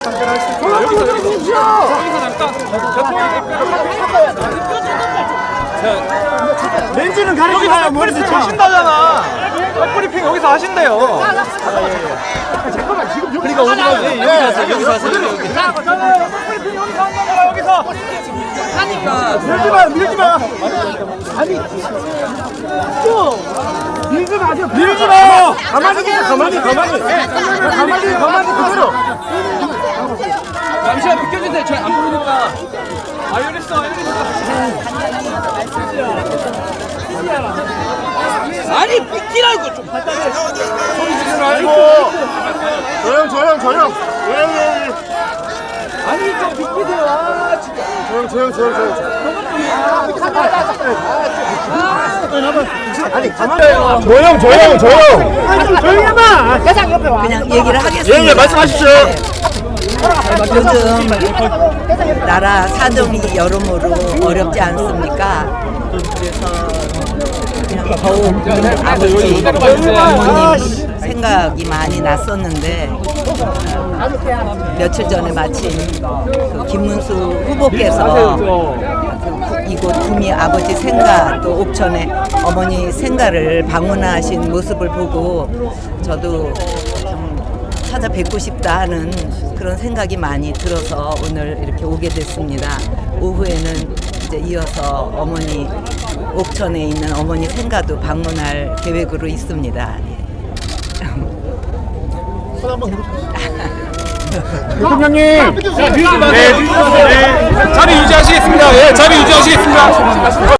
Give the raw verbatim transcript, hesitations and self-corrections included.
여기서 여기서 여기서 잠깐 렌즈는 가리지 마요. 머리도 하신다잖아. 백브리핑 여기서 하신대요. 잠깐만 지금 여기 그러니까 어디 가요? 여기서 하세요. 여기서 하세요. 여기. 백브리핑 여기서 한단 거야. 여기서. 하니까 밀지 마, 밀지 마. 아니, 좀 밀지 마세요. 밀지 마. 가만히 있어, 가만히, 가만히. 가만히, 가만히 그대로. 잠시만 비켜주세요. 저 안 보이니까. 아이리스 아이리스. 아니 비키라고 좀. 소리 지르지 말고. 조용, 조용, 조용. 조용, 조용. 아니 좀 비키세요. 아 진짜. 조용, 조용, 조용, 조용. 아니, 가만히. 조용, 조용, 조용. 아니, 좀 조용히 해봐. 대장 옆에 와. 그냥 얘기를 하겠습니다. 예, 예, 말씀하십시오. 요즘 나라 사정이 여러모로 어렵지 않습니까? 그래서 그냥 더욱 아버지, 어머님 생각이 많이 났었는데 어, 며칠 전에 마침 그 김문수 후보께서 그 이곳 구미 아버지 생가 또 옥천에 어머니 생가를 방문하신 모습을 보고 저도 찾아뵙고 싶다 하는 그런 생각이 많이 들어서 오늘 이렇게 오게 됐습니다. 오후에는 이제 이어서 어머니 옥천에 있는 어머니 생가도 방문할 계획으로 있습니다. 대통령님. 자, 밀지 마세요. 네, 자리 유지하시겠습니다. 예, 자리 유지하시겠습니다.